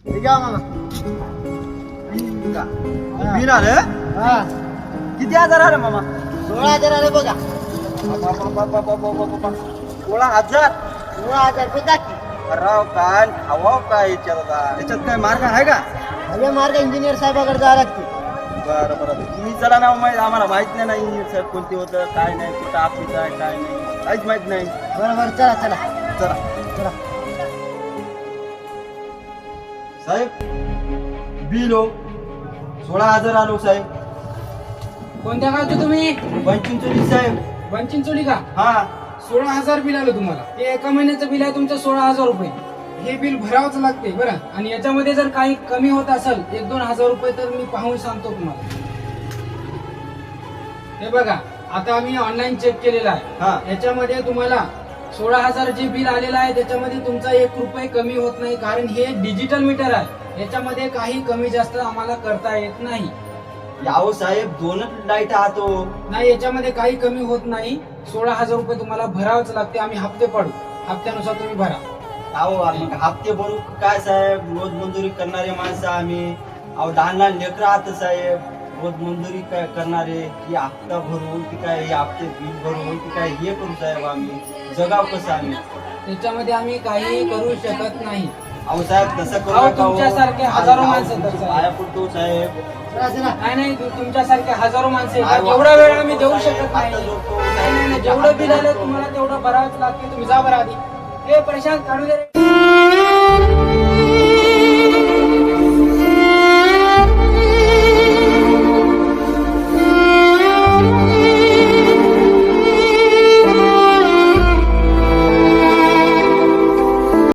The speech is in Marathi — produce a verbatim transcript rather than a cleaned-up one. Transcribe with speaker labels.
Speaker 1: ठीक आहे मामा.
Speaker 2: बिल आलं
Speaker 1: हा
Speaker 2: किती हजार आलं मामा?
Speaker 1: सोळा हजार आले बघा.
Speaker 2: सोळा हजार
Speaker 1: सोळा हजार रुपये टाकी.
Speaker 2: राव काय खावाव काय याच्यात आता? याच्यात काय मार्ग आहे का?
Speaker 1: हवे मार्ग इंजिनियर साहेबाकडे जावं लागते.
Speaker 2: बरं बरं तुम्ही चला ना माहिती आम्हाला माहित नाही ना इंजिनियर साहेब कोणते होतं काय नाही कुठं ऑफिस आहे काय नाही काहीच माहित नाही.
Speaker 1: बरं बरं चला चला
Speaker 2: चला
Speaker 1: चला.
Speaker 2: साहेब बिल हो सोळा हजार आलो साहेब.
Speaker 3: कोणत्या गावचे तुम्ही?
Speaker 2: पंचिंचोली साहेब.
Speaker 3: बनचिंचोली का?
Speaker 2: हा
Speaker 3: सोळा हजार बिल आलं तुम्हाला. ते एका महिन्याचं बिल आहे तुमचं सोळा हजार रुपये. हे बिल भरावंच लागते बरं. आणि याच्यामध्ये जर काही कमी होत असेल एक दोन हजार रुपये तर मी पाहून सांगतो तुम्हाला. हे बघा आता आम्ही ऑनलाईन चेक केलेला
Speaker 2: हा.
Speaker 3: आहे. याच्यामध्ये तुम्हाला सोळा हजार जे बिल आलेलं आहे त्याच्यामध्ये तुमचा एक रुपये कमी होत नाही, कारण हे डिजिटल मीटर आहे. याच्यामध्ये काही कमी जास्त आम्हाला करता येत नाही.
Speaker 2: यावं साहेब दोनच लाईट आहातो.
Speaker 3: नाही याच्यामध्ये काही कमी होत नाही. सोळा हजार रुपये तुम्हाला भरावंच लागते. आम्ही हप्ते पाडू, हप्त्यानुसार तुम्ही भरा.
Speaker 2: अहो मग हप्ते भरू काय साहेब? रोज मंजुरी करणारे माणसं आम्ही. अहो लहान लहान लेकरं आहात साहेब, रोज मंजुरी काय करणारे. की हप्ता भरू की काय हे हप्ते बिल भरू की काय हे करू साहेब? आम्ही जगाव कसं आम्ही?
Speaker 3: त्याच्यामध्ये आम्ही काही करू शकत नाही.
Speaker 2: अहो साहेब तसं करू
Speaker 3: अहो,
Speaker 2: नका हो.
Speaker 3: तुमच्यासारखे हजारो माणसं आहेत, साहेब.
Speaker 2: पाया पडतो साहेब.
Speaker 1: चला चला.
Speaker 3: नाही नाही तु- तुमच्यासारखे हजारो माणसं
Speaker 2: काय
Speaker 3: आहेत.
Speaker 2: वा-
Speaker 3: एवढा वेळ आम्ही देऊ शकत नाही.
Speaker 2: आता जोडतो.
Speaker 3: नाही नाही नाही, जेवढं बिल आलं तुम्हाला तेवढं भरावंच लागते. तुम्ही जा बरं आधी. हे प्रशांत काढू दे रे.